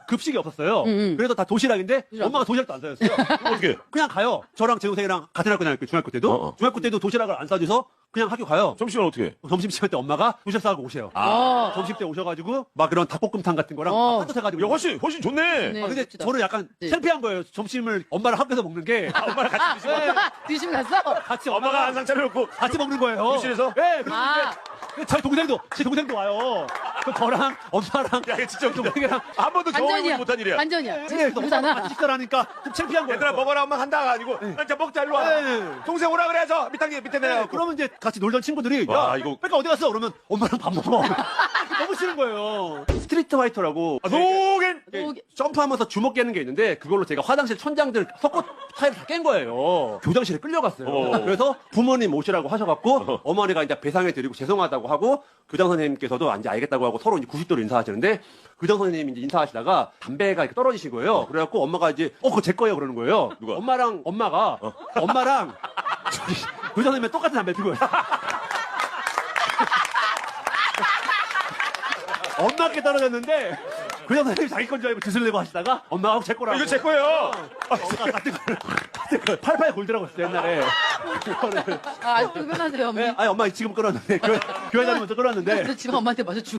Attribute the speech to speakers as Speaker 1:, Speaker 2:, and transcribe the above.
Speaker 1: 급식이 없었어요. 그래서 다 도시락인데 엄마가 도시락도 안 사줬어요.
Speaker 2: 어떻게?
Speaker 1: 그냥 가요. 저랑 제 동생이랑 같은 학교 다녔고 중학교 때도 중학교 때도 도시락을 안 싸줘서 그냥 학교 가요.
Speaker 2: 점심시간 어떻게?
Speaker 1: 점심시간 때 엄마가 도시락 싸고 오세요. 점심 때 오셔가지고 막 그런 닭볶음탕 같은 거랑 한솥 해가지고.
Speaker 2: 야, 훨씬 좋네.
Speaker 3: 네.
Speaker 1: 근데
Speaker 3: 멋지다.
Speaker 1: 저는 약간
Speaker 3: 네.
Speaker 1: 창피한 거예요. 점심을 엄마랑 학교에서 먹는 게.
Speaker 2: 엄마랑 같이 드시고.
Speaker 1: 네,
Speaker 3: 드시고 났어?
Speaker 1: 같이
Speaker 2: 엄마가 한상 차려놓고.
Speaker 1: 같이 먹는 거예요.
Speaker 2: 교실에서?
Speaker 1: 네, 그런데
Speaker 3: 아.
Speaker 1: 저희 동생도, 제 동생도 와요. 그 저랑 엄마랑
Speaker 2: 야, 이거 진짜 웃기다.
Speaker 1: 동생이랑
Speaker 2: 한 번도 경험해보지 못한 일이야.
Speaker 3: 반전이야.
Speaker 1: 네, 그래서
Speaker 3: 누구잖아.
Speaker 1: 같이 식사를 하니까 좀 창피한 거예요.
Speaker 2: 얘들아, 먹어라, 엄마 간다가 아니고. 난 진짜 먹자, 일로 와.
Speaker 1: 네.
Speaker 2: 동생 오라 그래서 밑에 내려가고.
Speaker 1: 네, 그러면 이제 같이 놀던 친구들이
Speaker 2: 와,
Speaker 1: 야,
Speaker 2: 이거-
Speaker 1: 그러니까 어디 갔어? 그러면 엄마랑 밥 먹어. 너무 싫은 거예요. 스트리트 파이터라고
Speaker 2: 노겐!
Speaker 3: 노겐.
Speaker 1: 점프하면서 주먹 깨는 게 있는데 그걸로 제가 화장실 천장들 속옷 타일을 다 깬 거예요. 교장실에 끌려갔어요. 그래서 부모님 오시라고 하셔갖고 어머니가 이제 배상해 드리고 죄송하다고 하고 교장 선생님께서도 이제 알겠다고 하고 서로 이제 90도로 인사하시는데 교장 선생님이 이제 인사하시다가 담배가 이렇게 떨어지신 거예요. 그래갖고 엄마가 이제 그거 제 거예요 그러는 거예요.
Speaker 2: 누가?
Speaker 1: 엄마랑 저기 교장 선생님이 똑같은 담배 피고 있어요. 엄마께 떨어졌는데 교장 선생님이 자기 건 줄 알고 빚을 내고 하시다가 엄마가 제 거라고.
Speaker 2: 이거 제 거예요.
Speaker 1: 엄마가 같은 걸 88 골드라고 했어요 옛날에. 그거를.
Speaker 3: 아, 아직도 변하세요, 어머니.
Speaker 1: 네, 아니 엄마 지금 끊었는데 교회 다니면서 끊었는데
Speaker 3: 그래서 지금 엄마한테 맞아 죽